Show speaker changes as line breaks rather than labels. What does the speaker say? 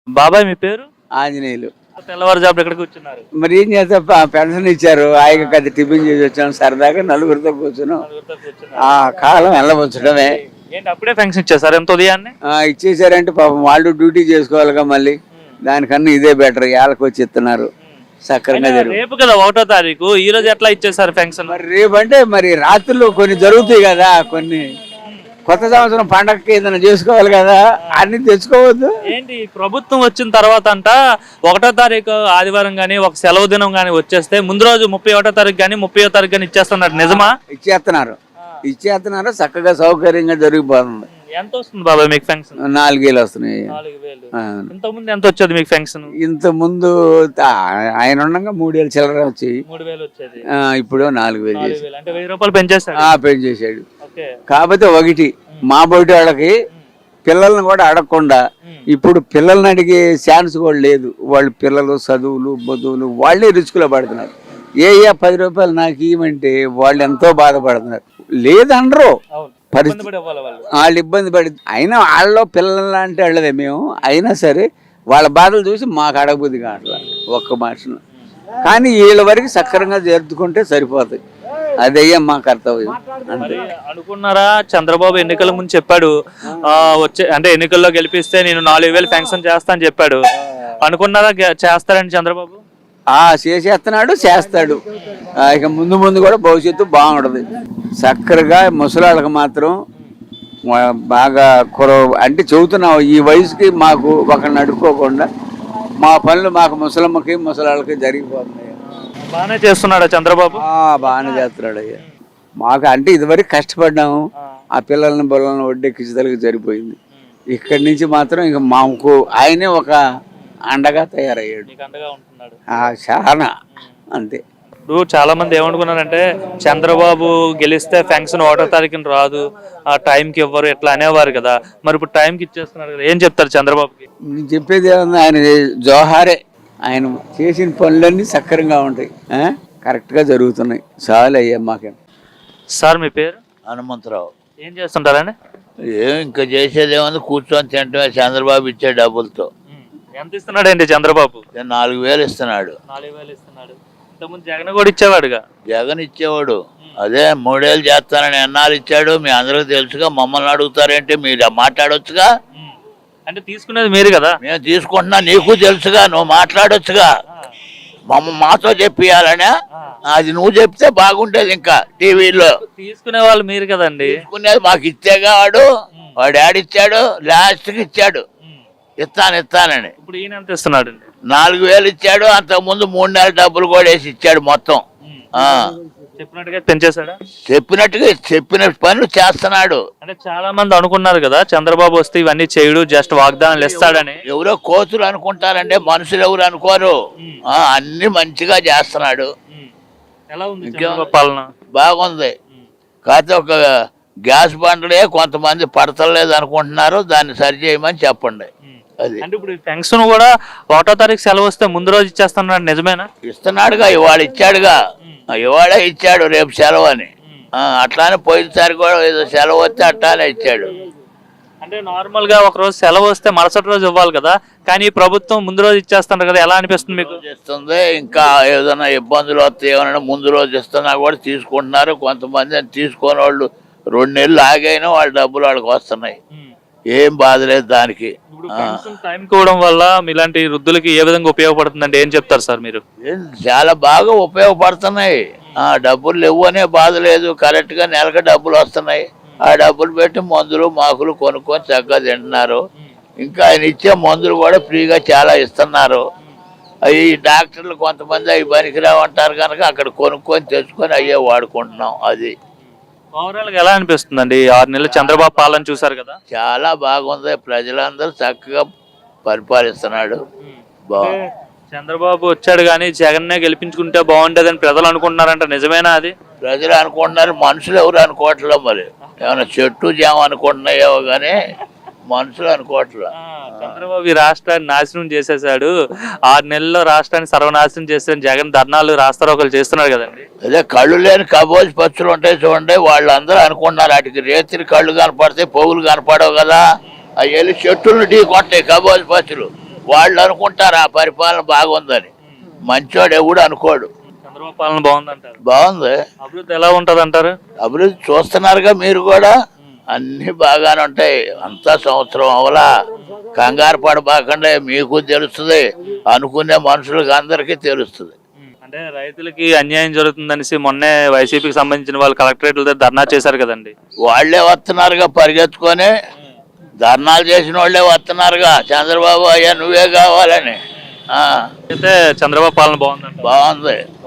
బాబాయ్ మీ పేరు?
ఆంజనేయులు.
తెల్లవారుజామున ఎక్కడ కూర్చున్నారు?
మరి ఏం చేస్తా, పెన్షన్ ఇచ్చారు, ఆయన కది టిఫిన్ చేసి వచ్చాను, సరదాగా నలుగురితో కూర్చున్నాం. ఆ కాలం వెళ్ళవచ్చడమే.
ఏంటి అప్పుడే ఫంక్షన్ ఇచ్చేసారు ఎంత ఉదయాన్నే?
ఇచ్చేసారంటే పాపం వాళ్ళు డ్యూటీ చేసుకోవాలిగా, మళ్ళీ దానికన్నా ఇదే బెటర్. ఏళ్ళకి వచ్చి ఇస్తున్నారు, సక్రంగా జరుగు.
రేపు కదా 1వ తారీఖు, ఈ రోజు ఎట్లా ఇచ్చేసారు ఫంక్షన్?
మరి రేపు అంటే మరి రాత్రులు కొన్ని జరుగుతాయి కదా, కొన్ని కొత్త సంవత్సరం పండగకి ఏదైనా చేసుకోవాలి కదా, అన్ని తెచ్చుకోవద్దు.
ఏంటి ప్రభుత్వం వచ్చిన తర్వాత అంట 1వ తారీఖు ఆదివారం గానీ ఒక సెలవు దినం గానీ వచ్చేస్తే ముందు రోజు 31వ తారీఖు గానీ 30వ తారీఖు గానీ ఇచ్చేస్తున్నారు, నిజమా?
ఇచ్చేస్తున్నారు, చక్కగా సౌకర్యంగా జరిగిపోతుంది.
ఎంత వస్తుంది బాబాయ్ మీకు ఫంక్షన్?
4,000 వస్తున్నాయి.
4,000. ఇంత ముందు ఎంత వచ్చేది మీకు ఫంక్షన్?
ఇంత ముందు ఆయన ఉండగా 3,000 చిల్లర వచ్చి
3,000 వచ్చేది.
ఇప్పుడు 4,000 చేసి.
అంటే 1,000 రూపాయలు పెంచేశాడు.
పెంచేశాడు. కాకపోతే ఒకటి, మా బయట వాళ్ళకి పిల్లల్ని కూడా అడగకుండా ఇప్పుడు పిల్లల్ని అడిగే ఛాన్స్ కూడా లేదు. వాళ్ళు పిల్లలు చదువులు బదువులు వాళ్ళే రిస్కులో పడుతున్నారు. 10 రూపాయలు నాకు ఇవ్వమంటే వాళ్ళు ఎంతో బాధపడుతున్నారు. లేదనరు పరిస్థితి, వాళ్ళు ఇబ్బంది పడి. అయినా వాళ్ళలో పిల్లలు అంటే వాళ్ళదే మేము. అయినా సరే వాళ్ళ బాధలు చూసి మాకు అడగబుద్ధి కావట్లా ఒక్క మాటను. కానీ వీళ్ళ వరకు సక్రంగా జరుపుకుంటే సరిపోతాయి. అదయ్యా మా కర్తవ్యం.
అనుకున్నారా? చంద్రబాబు ఎన్నికల ముందు చెప్పాడు, వచ్చే అంటే ఎన్నికల్లో గెలిపిస్తే నేను 4,000 ఫంక్షన్ చేస్తా అని చెప్పాడు. అనుకున్నారా చేస్తారండి చంద్రబాబు?
చేసేస్తున్నాడు, చేస్తాడు. ఇక ముందు ముందు కూడా భవిష్యత్తు బాగుంటుంది. చక్కరగా ముసలాళ్ళకి మాత్రం బాగా అంటే చెబుతున్నావు, ఈ వయసుకి మాకు ఒకరిని అడుక్కోకుండా మా పనులు మాకు ముసలమ్మకి ముసలాళ్ళకి జరిగిపోతున్నాయి.
బాగానే చేస్తున్నాడా చంద్రబాబు?
బాగానే చేస్తున్నాడు అయ్యా. మాకు అంటే ఇదివరకు కష్టపడ్డాము, ఆ పిల్లల్ని బొల్లలను ఒడ్డెక్కించదలకి సరిపోయింది. ఇక్కడి నుంచి మాత్రం ఇక మాకు ఆయనే ఒక అండగా తయారయ్యాడు. చాలా అంతే.
ఇప్పుడు చాలా మంది ఏమనుకున్నారంటే చంద్రబాబు గెలిస్తే ఫంక్షన్ 1వ తారీఖున రాదు, ఆ టైంకి ఇవ్వరు ఇట్లా అనేవారు కదా. మరి ఇప్పుడు టైంకి ఇచ్చేస్తున్నారు కదా, ఏం చెప్తారు చంద్రబాబుకి?
నేను చెప్పేది ఏమన్నా, ఆయన జోహారే. ఆయన చేసిన పనులన్నీ సక్రంగా ఉంటాయి, కరెక్ట్గా జరుగుతున్నాయి. చాలు అయ్యా మాకేం.
సార్ మీ పేరు?
హనుమంతరావు.
ఏం చేస్తుంటారండి?
ఇంకా చేసేది ఏముంది, కూర్చొని తింటమే. చంద్రబాబు ఇచ్చే డబ్బులతో.
ఎంత ఇస్తున్నాడు అండి చంద్రబాబు?
4,000 ఇస్తున్నాడు.
4,000 ఇస్తున్నాడు. ఇంతకుముందు జగన్ కూడా ఇచ్చేవాడుగా.
జగన్ ఇచ్చేవాడు, అదే 3 ఏళ్ళు చేస్తానని ఎన్నాళ్ళు ఇచ్చాడు మీ అందరికి తెలుసుగా. మమ్మల్ని అడుగుతారేంటి, మీరు మాట్లాడొచ్చుగా.
అంటే తీసుకునేది మీరు కదా.
మేము తీసుకుంటున్నా, నీకు తెలుసుగా, నువ్వు మాట్లాడొచ్చుగా. మాతో చెప్పియాలనే, అది నువ్వు చెప్తే బాగుంటేది. ఇంకా టీవీలో
తీసుకునే వాళ్ళు మీరు కదండి.
తీసుకునేది మాకు ఇచ్చేగా. వాడు ఆడిచ్చాడు, లాస్ట్కి ఇచ్చాడు ఇస్తానని.
ఇప్పుడు ఈయన ఎంత ఇస్తున్నాడు?
4,000 ఇచ్చాడు. అంతకు ముందు 3 నెలల డబ్బులు కూడా వేసి ఇచ్చాడు మొత్తం.
చెప్పినట్టుగా పెంచేశాడా?
చెప్పిన పనులు చేస్తున్నాడు.
అంటే చాలా మంది అనుకున్నారు కదా చంద్రబాబు వస్తే ఇవన్నీ చేయడు, జస్ట్ వాగ్దానాలు ఇస్తాడని.
ఎవరో కోతులు అనుకుంటారంటే మనుషులు ఎవరు అనుకోరు. అన్ని మంచిగా చేస్తున్నాడు.
ఎలా ఉంది పాలన?
బాగుంది. కాకపోతే ఒక గ్యాస్ బండ్లే కొంతమంది పడతలేదు అనుకుంటున్నారు, దాన్ని సరి చేయమని చెప్పండి. అది
అంటే ఇప్పుడు ఫంక్షన్ కూడా 1వ తారీఖు సెలవు వస్తే ముందు రోజు ఇచ్చేస్తున్నాడు, నిజమేనా?
ఇస్తున్నాడుగా, ఇవాళ ఇచ్చాడుగా. ఇవాళే ఇచ్చాడు, రేపు సెలవు అని. అట్లానే పోయినసారి కూడా ఏదో సెలవు వస్తే అట్లానే ఇచ్చాడు.
అంటే నార్మల్ గా ఒక రోజు సెలవు వస్తే మరుసటి రోజు ఇవ్వాలి కదా, కానీ ప్రభుత్వం ముందు రోజు ఇచ్చేస్తున్నారు కదా, ఎలా అనిపిస్తుంది మీకు?
ఇస్తుంది. ఇంకా ఏదైనా ఇబ్బందులు వస్తే ఏమన్నా ముందు రోజు ఇస్తున్నా కూడా తీసుకుంటున్నారు. కొంతమంది తీసుకునే వాళ్ళు 2 నెలలు ఆగైనా వాళ్ళ డబ్బులు వాళ్ళకి వస్తున్నాయి. ఏం బాధ లేదు దానికి.
టైం కోవడం వల్ల ఇలాంటి వృద్ధులకి ఏ విధంగా ఉపయోగపడుతుందంటే ఏం చెప్తారు సార్ మీరు?
చాలా బాగా ఉపయోగపడుతున్నాయి. డబ్బులు లేవు అనే బాధ లేదు. కరెక్ట్ గా నెలకు డబ్బులు వస్తున్నాయి. ఆ డబ్బులు పెట్టి మందులు మాకులు కొనుక్కొని చక్కగా తింటున్నారు. ఇంకా ఆయన ఇచ్చే మందులు కూడా ఫ్రీగా చాలా ఇస్తున్నారు. అవి డాక్టర్లు కొంతమంది అవి పనికిరావు అంటారు కనుక అక్కడ కొనుక్కొని తెచ్చుకొని అయ్యే వాడుకుంటున్నాం. అది
ఓవరాల్ గా ఎలా అనిపిస్తుందండి 6 నెలలు చంద్రబాబు పాలన చూసారు కదా?
చాలా బాగుంది. ప్రజలందరూ చక్కగా పరిపాలిస్తున్నాడు.
చంద్రబాబు వచ్చాడు కానీ జగన్నే గెలిపించుకుంటే బాగుండేదని ప్రజలు అనుకుంటున్నారంట, నిజమేనా అది?
ప్రజలు అనుకుంటున్నారు, మనుషులు ఎవరు అనుకోవట్లేదు. మరి ఏమైనా చెట్టు జామ అనుకుంటున్నాయో కానీ మనుషులు అనుకోవట్లే.
చంద్రబాబు ఈ రాష్ట్రాన్ని నాశనం చేసేసాడు, 6 నెలల్లో రాష్ట్రాన్ని సర్వనాశనం చేసాడు, జగన్ ధర్నాలు రాస్తారోకలు చేస్తున్నారు కదండి.
అదే కళ్ళు లేని కబోజ్ పచ్చులు ఉంటాయి చూడండి, వాళ్ళందరూ అనుకుంటున్నారు వాటికి రేతిరి కళ్ళు కనపడితే పోగులు కనపడవు కదా. అవి వెళ్ళి చెట్టులు ఢీ కొట్టాయి కబోజ్ పచ్చులు. వాళ్ళు అనుకుంటారు ఆ పరిపాలన బాగుందని. మంచోడు ఎవడు అనుకోడు.
చంద్రబాబు పాలన బాగుందంటారు.
బాగుంది.
అభివృద్ధి ఎలా ఉంటది అంటారు?
అభివృద్ధి చూస్తున్నారుగా మీరు కూడా, అన్ని బాగానే ఉంటాయి. అంతా సంవత్సరం అవలా, కంగారు పడబాకండే, మీకు తెలుస్తుంది, అనుకునే మనుషులకు అందరికీ తెలుస్తుంది.
అంటే రైతులకి అన్యాయం జరుగుతుందనేసి మొన్నే వైసీపీకి సంబంధించిన వాళ్ళు కలెక్టరేట్ల దగ్గర ధర్నా చేశారు కదండి.
వాళ్లే వస్తున్నారుగా పరిగెత్తుకొని, ధర్నాలు చేసిన వాళ్ళే వస్తున్నారుగా, చంద్రబాబు అయ్యా నువ్వే కావాలని.
అయితే చంద్రబాబు పాలన బాగుందంట.
బాగుంది.